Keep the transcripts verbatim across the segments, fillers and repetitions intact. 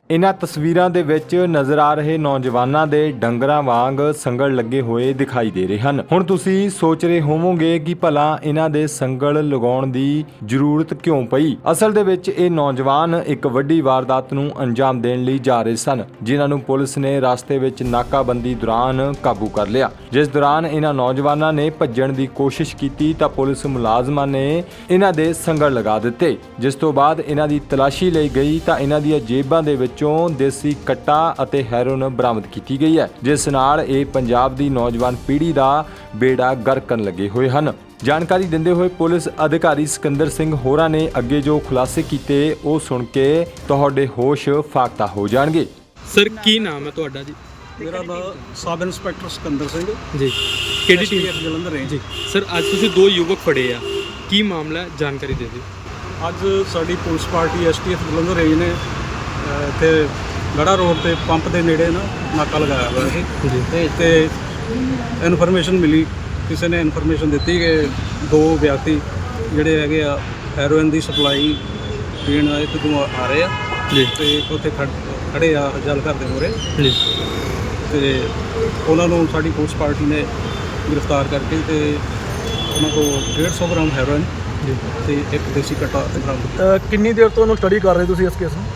इन्हां तस्वीरां दे विच नज़र आ रहे नौजवानां दे डंगरां वांग संगल लगे होए दिखाई दे रहे हन। हुण तुसीं सोच रहे होवोगे कि भला इन्हां दे संगल लगाउण दी जरूरत क्यों पई। असल दे विच इह नौजवान एक वड्डी वारदात नूं अंजाम देण लई जा रहे सन, जिन्हां नूं पुलिस ने रास्ते विच नाकाबंदी दौरान काबू कर लिया। जिस दौरान इन्हां नौजवानां ने भज्जण दी कोशिश कीती तां पुलिस मुलाजमां ने इन्हां दे संगल लगा दित्ते। जिस तों बाद इन्हां दी तलाशी लई गई तां इन्हां ਦੀਆਂ ਜੇਬਾਂ ਦੇ ਵਿੱਚੋਂ देसी कट्टा ਅਤੇ ਹੈਰੋਇਨ ਬਰਾਮਦ ਕੀਤੀ ਗਈ ਹੈ, ਜਿਸ ਨਾਲ ਇਹ ਪੰਜਾਬ ਦੀ ਨੌਜਵਾਨ ਪੀੜ੍ਹੀ ਦਾ ਬੇੜਾ ਗਰਕ ਕਰਨ ਲੱਗੇ ਹੋਏ ਹਨ। ਜਾਣਕਾਰੀ ਦਿੰਦੇ ਹੋਏ ਪੁਲਿਸ ਅਧਿਕਾਰੀ ਸਿਕੰਦਰ ਸਿੰਘ ਹੋਰਾਂ ਨੇ ਅੱਗੇ ਜੋ ਖੁਲਾਸੇ ਕੀਤੇ ਉਹ ਸੁਣ ਕੇ ਤੁਹਾਡੇ ਹੋਸ਼ ਫਾਕਤਾ ਹੋ ਜਾਣਗੇ। ਸਰ ਕੀ ਨਾਮ ਹੈ ਤੁਹਾਡਾ ਜੀ? ਮੇਰਾ ਨਾਮ ਸਬ ਇੰਸਪੈਕਟਰ ਸਿਕੰਦਰ ਸਿੰਘ ਜੀ। ਕਿਹੜੀ ਟੀਮ? ਜਲੰਧਰ ਰੇਂਜ ਜੀ। ਸਰ ਅੱਜ ਤੁਸੀਂ ਦੋ ਯੁਵਕ ਫੜੇ ਆ, ਕੀ ਮਾਮਲਾ ਹੈ, ਜਾਣਕਾਰੀ ਦੇ ਦਿਓ। ਅੱਜ ਸਾਡੀ police party STF Jalandhar range ਨੇ ਇੱਥੇ ਗੜਾ ਰੋਡ ਤੇ ਪੰਪ ਦੇ ਨੇੜੇ ਨਾ ਨਾਕਾ ਲਗਾਇਆ ਹੋਇਆ ਸੀ ਜੀ। ਤੇ ਇੱਥੇ ਇਨਫੋਰਮੇਸ਼ਨ ਮਿਲੀ, ਕਿਸੇ ਨੇ ਇਨਫੋਰਮੇਸ਼ਨ ਦਿੱਤੀ ਕਿ ਦੋ ਵਿਅਕਤੀ ਜਿਹੜੇ ਹੈਗੇ ਆ ਹੈਰੋਇਨ ਦੀ ਸਪਲਾਈ ਦੇਣ ਆਏ ਤੇ ਆ ਰਹੇ ਆ ਜੀ। ਤੇ ਉੱਥੇ ਖੜੇ ਆ ਜਲ ਘਰ ਦੇ ਮੂਹਰੇ ਜੀ। ਤੇ ਉਹਨਾਂ ਨੂੰ ਸਾਡੀ ਪੁਲਿਸ ਪਾਰਟੀ ਨੇ ਗ੍ਰਿਫਤਾਰ ਕਰਕੇ ਤੇ ਉਹਨਾਂ ਕੋਲ ਡੇਢ ਸੌ ਗ੍ਰਾਮ ਹੈਰੋਇਨ ਜੀ ਤੇ ਇੱਕ ਦੇਸੀ ਕਟਾ ਬਰਾਮਦ ਕੀਤਾ। ਕਿੰਨੀ ਦੇਰ ਤੋਂ ਉਹਨੂੰ ਸਟੱਡੀ ਕਰ ਰਹੇ ਤੁਸੀਂ ਇਸ ਕੇਸ ਨੂੰ?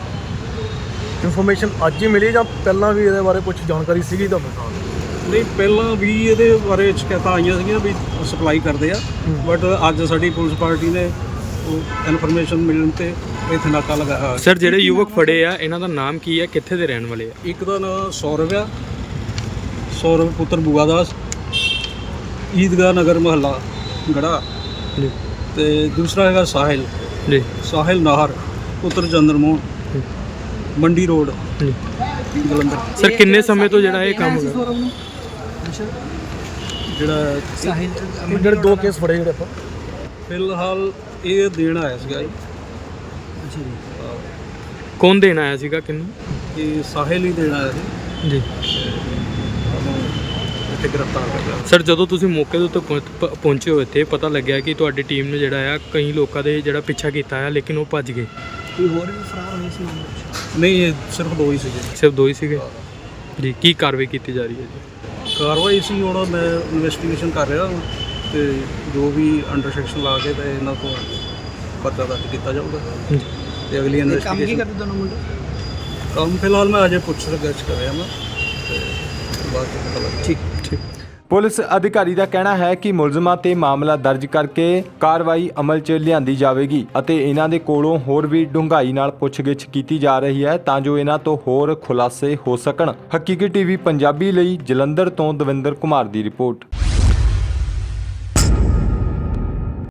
ਇਨਫੋਰਮੇਸ਼ਨ ਅੱਜ ਹੀ ਮਿਲੀ ਜਾਂ ਪਹਿਲਾਂ ਵੀ ਇਹਦੇ ਬਾਰੇ ਕੁਝ ਜਾਣਕਾਰੀ ਸੀਗੀ ਤੁਹਾਨੂੰ? ਨਹੀਂ, ਪਹਿਲਾਂ ਵੀ ਇਹਦੇ ਬਾਰੇ ਸ਼ਿਕਾਇਤਾਂ ਆਈਆਂ ਸੀਗੀਆਂ ਵੀ ਸਪਲਾਈ ਕਰਦੇ ਆ, ਬਟ ਅੱਜ ਸਾਡੀ ਪੁਲਿਸ ਪਾਰਟੀ ਨੇ ਉਹ ਇਨਫੋਰਮੇਸ਼ਨ ਮਿਲਣ ਤੇ ਇੱਥੇ ਨਾਕਾ ਲਗਾਇਆ। ਸਰ ਜਿਹੜੇ ਯੁਵਕ ਫੜੇ ਆ ਇਹਨਾਂ ਦਾ ਨਾਮ ਕੀ ਹੈ, ਕਿੱਥੇ ਦੇ ਰਹਿਣ ਵਾਲੇ ਆ? ਇੱਕ ਦਾ ਨਾਮ ਸੌਰਵ ਆ, ਸੌਰਵ ਪੁੱਤਰ ਬੂਆ ਦਾਸ, ਈਦਗਾਹ ਨਗਰ ਮਹੱਲਾ ਗੜਾ ਜੀ। ਤੇ ਦੂਸਰਾ ਹੈਗਾ ਸਾਹਿਲ ਜੀ। ਸਾਹਿਲ ਨਾਹਰ ਪੁੱਤਰ ਚੰਦਰਮੋਹਨ, ਮੰਡੀ ਰੋਡ ਜੀ। ਜਲੰਧਰ। ਸਰ ਕਿੰਨੇ ਸਮੇਂ ਤੋਂ ਜਿਹੜਾ ਇਹ ਕੰਮ ਹੋ ਰਿਹਾ? ਜਿਹੜਾ ਇਹ ਜਿਹੜੇ ਦੋ ਕੇਸ ਫੜੇ ਜਿਹੜੇ ਆਪਾਂ ਫਿਲਹਾਲ ਇਹ ਦੇਣ ਆਇਆ ਸੀਗਾ ਜੀ। ਕੌਣ ਦੇਣ ਆਇਆ ਸੀਗਾ, ਕਿਹਨੂੰ? ਇਹ ਸਾਹਿਲ ਹੀ ਦੇਣ ਆਇਆ ਸੀ। ਜੀ। ਉਹਨੂੰ ਇੱਥੇ ਗ੍ਰਿਫਤਾਰ ਕਰ ਲਿਆ। ਸਰ ਜਦੋਂ ਤੁਸੀਂ ਮੌਕੇ ਦੇ ਉੱਤੇ ਪਹੁੰਚ- ਪ- ਪਹੁੰਚੇ ਹੋ ਇੱਥੇ ਪਤਾ ਲੱਗਿਆ ਕਿ ਤੁਹਾਡੀ ਟੀਮ ਨੇ ਜਿਹੜਾ ਆ ਕਈ ਲੋਕਾਂ ਦੇ ਜਿਹੜਾ ਪਿੱਛਾ ਕੀਤਾ ਆ, ਲੇਕਿਨ ਉਹ ਭੱਜ ਗਏ। ਕੋਈ ਹੋਰ ਵੀ ਫਰਾਰ ਹੋਏ ਸੀ? ਨਹੀਂ, ਇਹ ਸਿਰਫ ਦੋ ਹੀ ਸੀਗੇ। ਸਿਰਫ ਦੋ ਹੀ ਸੀਗੇ ਜੀ। ਕੀ ਕਾਰਵਾਈ ਕੀਤੀ ਜਾ ਰਹੀ ਹੈ ਜੀ? ਕਾਰਵਾਈ ਸੀ ਹੁਣ ਮੈਂ ਇਨਵੈਸਟੀਗੇਸ਼ਨ ਕਰ ਰਿਹਾ ਤੇ ਜੋ ਵੀ ਅੰਡਰ ਸੈਕਸ਼ਨ ਲਾ ਕੇ ਤੇ ਇਹਨਾਂ ਤੋਂ ਪਰਚਾ ਦਰਜ ਕੀਤਾ ਜਾਊਗਾ ਜੀ। ਤੇ ਅਗਲੀ ਇਨਵੈਸਟੀਗੇਸ਼ਨ। ਕੰਮ ਕੀ ਕਰਦੇ ਦੋਨੋਂ ਮੁੰਡੇ? ਕੰਮ ਫਿਲਹਾਲ ਮੈਂ ਅਜੇ ਪੁੱਛ ਰਿਸਰਚ ਕਰ ਰਿਹਾ ਮੈਂ ਤੇ ਬਾਅਦ ਚ ਪਤਾ ਲੱਗ। ਠੀਕ ਠੀਕ। ਪੁਲਿਸ ਅਧਿਕਾਰੀ ਦਾ ਕਹਿਣਾ ਹੈ ਕਿ ਮੁਲਜ਼ਮਾਂ ਤੇ ਮਾਮਲਾ ਦਰਜ ਕਰਕੇ ਕਾਰਵਾਈ ਅਮਲ 'ਚ ਲਿਆਂਦੀ ਜਾਵੇਗੀ ਅਤੇ ਇਹਨਾਂ ਦੇ ਕੋਲੋਂ ਹੋਰ ਵੀ ਡੂੰਘਾਈ ਨਾਲ ਪੁੱਛਗਿੱਛ ਕੀਤੀ ਜਾ ਰਹੀ ਹੈ ਤਾਂ ਜੋ ਇਹਨਾਂ ਤੋਂ ਹੋਰ ਖੁਲਾਸੇ ਹੋ ਸਕਣ। ਹਕੀਕੀ ਟੀਵੀ ਪੰਜਾਬੀ ਲਈ ਜਲੰਧਰ ਤੋਂ ਦਵਿੰਦਰ ਕੁਮਾਰ ਦੀ ਰਿਪੋਰਟ।